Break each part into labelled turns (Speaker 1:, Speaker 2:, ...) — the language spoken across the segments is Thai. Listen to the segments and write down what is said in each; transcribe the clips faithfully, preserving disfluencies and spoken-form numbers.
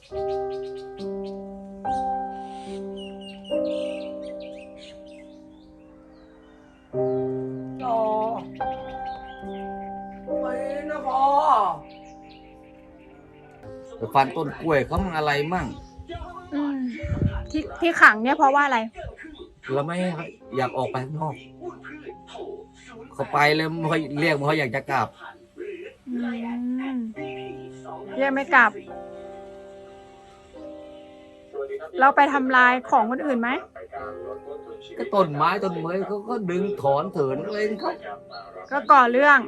Speaker 1: ต่อไปนะพ่อไปฟันต้นกล้วยเขามันอะไรมั่ง
Speaker 2: อืมที่ที่ขังเนี่ยเพราะว่าอะไร
Speaker 1: เราไม่อยากออกไปข้างนอกเขาไปแล้วไม่ค่อยเรียกไม่ค่อยอยากจะกลับ
Speaker 2: อืมเรียกไม่กลับ เราไปทำลายของคนอื่นไหม
Speaker 1: ก็ต้นไม้ต้นเมยเขาก็ดึงถอนเถินอะไรของเขา
Speaker 2: ก็ก่อเรื่อง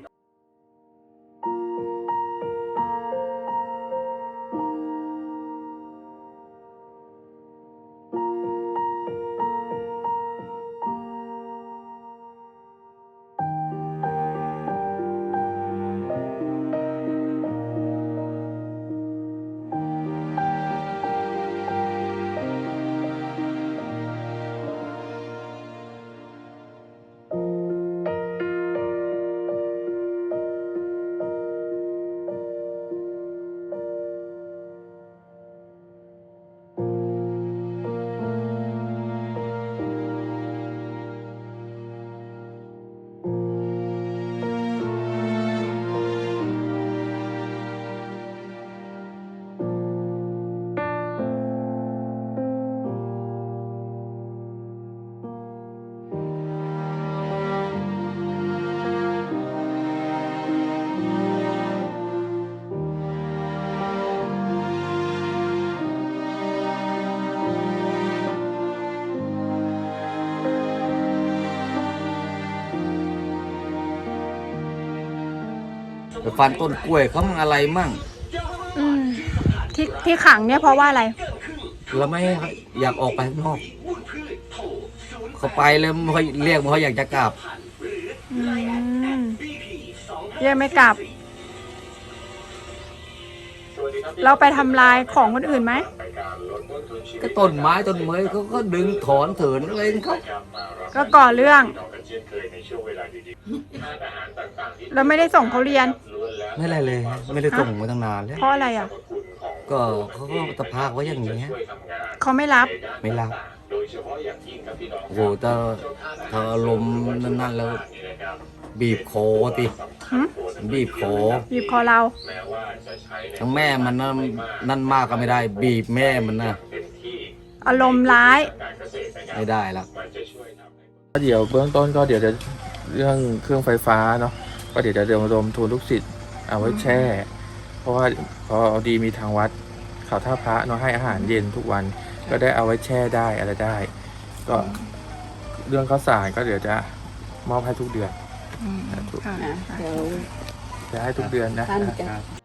Speaker 1: ไปฟันต้นกล้วยเขามันอะไรมั่ง
Speaker 2: อืมที่ที่ขังเนี่ยเพราะว่าอะไร
Speaker 1: เราไม่อยากออกไปข้างนอกเขาไปแล้วไม่ค่อยเรียกไม่ค่อยอยากจะกลับ
Speaker 2: อืมเรียกไม่กลับ เราไปทำลายของคนอื่นไหม
Speaker 1: ก็ต้นไม้ต้นเมยเขาก็ดึงถอนเถินอะไรของเขา
Speaker 2: ก็ก่อเรื่อง เราไม่ได้ส่งเขาเรียน
Speaker 1: ไม่อะไรเลย ไม่ได้ส่งมาตั้งนานแล้ว
Speaker 2: เพราะอะไรอ่ะ
Speaker 1: ก็เขาก็ตะพากไว้อย่างนี้ย
Speaker 2: เขาไม่รับ
Speaker 1: ไม่รับโอ้โหถ้าถ้าอารมณ์นั่นๆแล้ว บีบคอติ
Speaker 2: หึ
Speaker 1: บีบคอ
Speaker 2: บีบคอเรา
Speaker 1: ทั้งแม่มันนั่นนั่นมากก็ไม่ได้ บีบแม่มันนะ
Speaker 2: อารมณ์ร้าย
Speaker 1: ไม่ได้ละ
Speaker 3: เดี๋ยวเบื้องต้นก็เดี๋ยวจะเรื่องเครื่องไฟฟ้าเนาะก็เดี๋ยวจะระดมทุนลูกศิษย์เอาไว้แช่ เพราะว่าพอดีมีทางวัดเขาท่าพระเนาะให้อาหารเย็นทุกวันก็ได้เอาไว้แช่ได้อะไรได้ ก็เรื่องข้าวสารก็เดี๋ยวจะมอบให้ทุกเดือน
Speaker 2: อืมค่ะ
Speaker 3: จะให้ทุกเดือนนะ
Speaker 4: ท่านจะ